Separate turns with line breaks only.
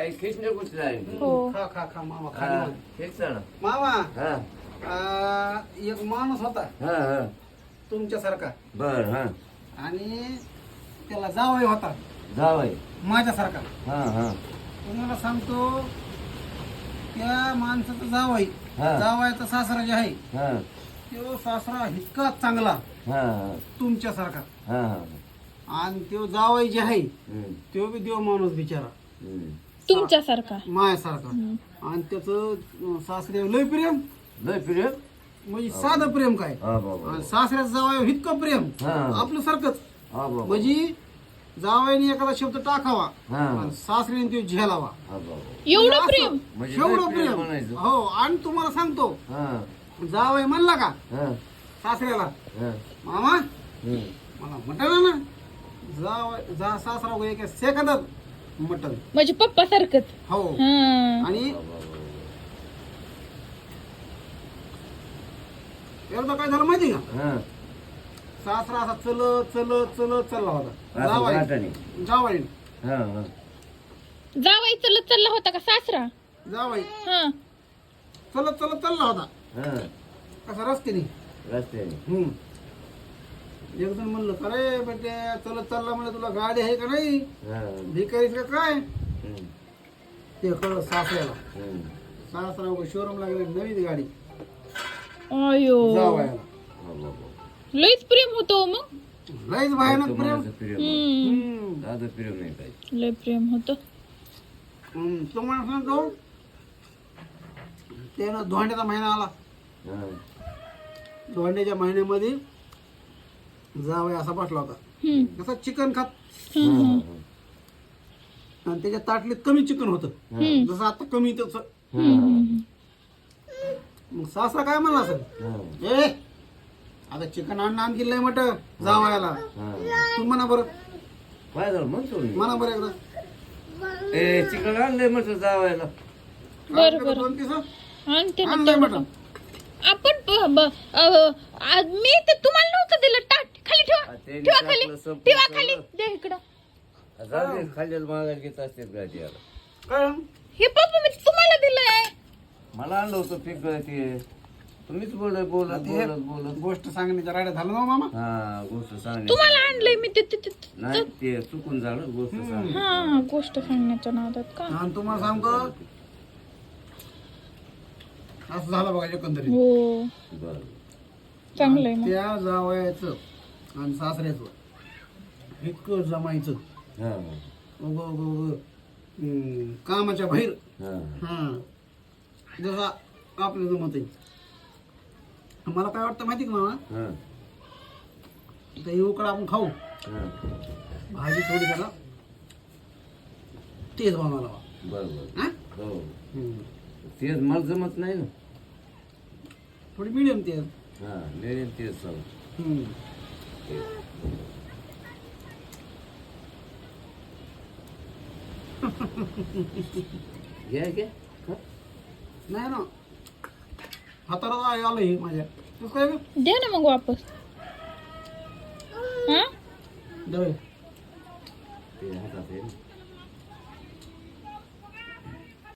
खिचणे कुठले आहे
हो
खा खा खा मामा खा
हा
निवांत.
हेच ना
मामा
हा
एक माणूस होता
हा हा
तुमच्यासारखा
बर हा
आणि त्याला जावई होता
जावय
माझ्यासारखा.
हा हा
तुम्हाला सांगतो त्या माणसाचा जावई
हा.
जावयाचा सासरा जे आहे
हा
तो सासरा इतका चांगला
हा
तुमच्यासारखा
हा हा
आणि तो जावई जे आहे
हम्म,
तो बी देव माणूस बिचारा
हम्म.
तुमच्यासारखा
मायासारखा. आणि त्याचं सासरे लय प्रेम
लय प्रिय
म्हणजे साधं प्रेम काय
हा बाबा
आणि सासऱ्याचं जावई इतकं प्रेम
हा.
आपलं सारखंच
हा बाबा
म्हणजे जावयाने एखादा शब्द टाकावा
हा
आणि सासऱ्याने तो झेलावा
हा बाबा
एवढं
असं,
प्रेम
म्हणजे
एवढं
लय प्रेम
प्रेम
म्हणायचं.
हो. आणि तुम्हाला सांगतो
हा
जावई म्हणला का
हा
सासऱ्याला
हा
मामा
हम्म.
मला मटण ना जा सासरा वगैरे एका सेकंदात मटण
म्हणजे पप्पा सारखंच
हो.
हा
आणि एकदा काय झालं माहिती का
हा
सासरा असा चलत चलत चलत चालला होता
असं
जावाई
वाटाणे.
जावाई
हा हा
जावाई चलत चालला होता का सासरा
जावाई
हा
चलत चलत चालला होता
हा
कसा रस्त्याने.
रस्त्याने
एक जण म्हणलं का रे बेटे चलत चालला म्हणजे तुला गाडी आहे का नाही
हा
भिकारीच का काय
हम्म,
ते कळलं सासऱ्याला.
हम्म.
सासरा शोरूमला गेले नवीन गाडी
अयो
जावायला
हा बाबा
लईच प्रेम होतो मग
लयच भयानक प्रेम.
तुम्हाला प्रिय
हम्म
दादा प्रिय नाही काय
लय प्रेम होतं
तुम्हाला सांगतो त्यानं धोंड्याचा महिना आला.
हा
धोंड्याच्या महिन्यामध्ये जावई असा बसला होता
हम्म
कसा चिकन खात
हा
आणि त्याच्या ताटलीत कमी चिकन होतं जसं आता कमी तसं. मग सासरा काय म्हणला असेल
हा
ए आता चिकन आणखी लय मट जावयाला
हा
तू म्हणा बरं
काय झालं म्हणतो मी
म्हणा बरं एकदा
ए चिकन आणलंय म्हटलं जावायला
बरं बरं
दोन पिसं
आणते ना
आणलंय
तेवढं.
मटण.
आपण मी ते तुम्हाला नव्हतं दिलं ताट खाली ठेवा
ते
ठेवा
टाकलं
खाली
संपलं
ठेवा
सगळं.
खाली दे इकडं
जाऊ खाल्लेलं मागायला घेत असते गाडी याला
काय
हे पप्पा मी तुम्हाला दिलंय
मला आणलं होतं पीक ते तुम्हीच बोलत बोलत
ते
बोलत बोलत
गोष्ट सांगण्याच्या राड्या झालं ना मामा.
हा गोष्ट सांगणे
तुम्हाला आणलंय मी ते
नाही ते चुकून झालं गोष्ट सांग
हा गोष्ट सांगण्याच्या नादात का
आणि तुम्हाला सांगतो असं झालं बघा एकंदरीत.
हो
बर
चांगलंय मग
त्या जावयाचं आणि सासऱ्याचं इतकं जमायचं
हा
उग उग उग कामाच्या बाहेर.
हा
हा जसा आपलं जमत आहे. मला काय वाटतं माहिती का मामा
हा
तर येऊकडे आपण खाऊ
हा
भाजी थोडी त्याला तेच बनवायला हवा.
बर बर
हा?
हो
हम्म.
तेच मला जमत नाही ना
थोडी मिडियम तेल.
हा मिळेल तेच चालू
हम्म.
घ्या घ्या खा.
नाही ना हाताला आलं हे माझ्या तू काय ग?
द्या ना मग वापस हा
दे.
ते हातात आहे ना.